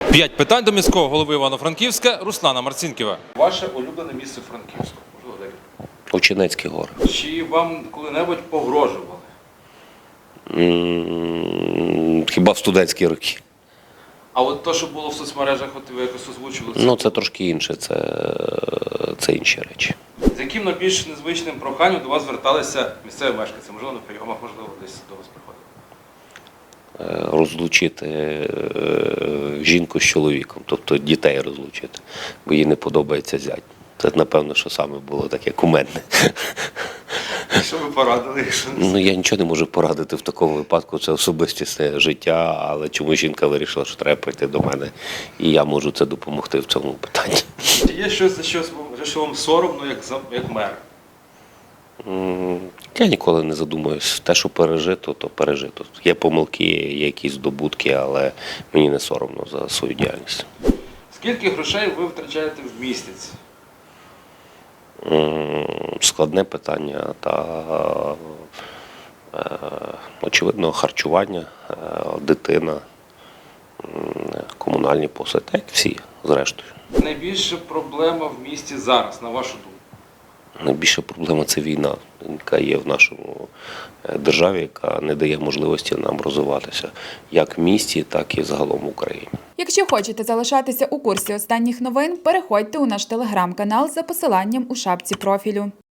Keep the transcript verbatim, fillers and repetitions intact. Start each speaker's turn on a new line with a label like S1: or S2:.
S1: П'ять питань до міського голови Івано-Франківська Руслана Марцінкєва. Ваше улюблене місце Франківську? Можливо, декілька.
S2: Очинецькі гори.
S1: Чи вам коли-небудь погрожували?
S2: М, Хіба в студентські роки.
S1: А от те, що було в соцмережах, от ви якось озвучили, це
S2: Ну, це трошки інше, це, це інші речі.
S1: з яким найбільш незвичним проханням до вас зверталися місцеві мешканці? Можливо, на прийомах, можливо, десь до вас приходили?
S2: Е, Розлучити е, жінку з чоловіком, тобто дітей розлучити, бо їй не подобається зять. Це, напевно, що саме було таке кумедне.
S1: Що ви порадили? Якщо не
S2: Ну, я нічого не можу порадити в такому випадку, це особистісне життя, але чому жінка вирішила, що треба прийти до мене, і я можу це допомогти в цьому питанні.
S1: Чи є щось, за щось, за що вам соромно, як, за- як мер?
S2: М, Я ніколи не задумуюсь. Те, що пережито, то пережито. Є помилки, є якісь здобутки, але мені не соромно за свою діяльність.
S1: Скільки грошей ви втрачаєте в місяць?
S2: М, Складне питання та, е, очевидно, харчування, е, дитина, м, комунальні послуги, так як всі, зрештою.
S1: Найбільша проблема в місті зараз, на вашу думку?
S2: Найбільша проблема – це війна, яка є в нашому е, державі, яка не дає можливості нам розвиватися як в місті, так і загалом в Україні.
S3: Якщо хочете залишатися у курсі останніх новин, переходьте у наш телеграм-канал за посиланням у шапці профілю.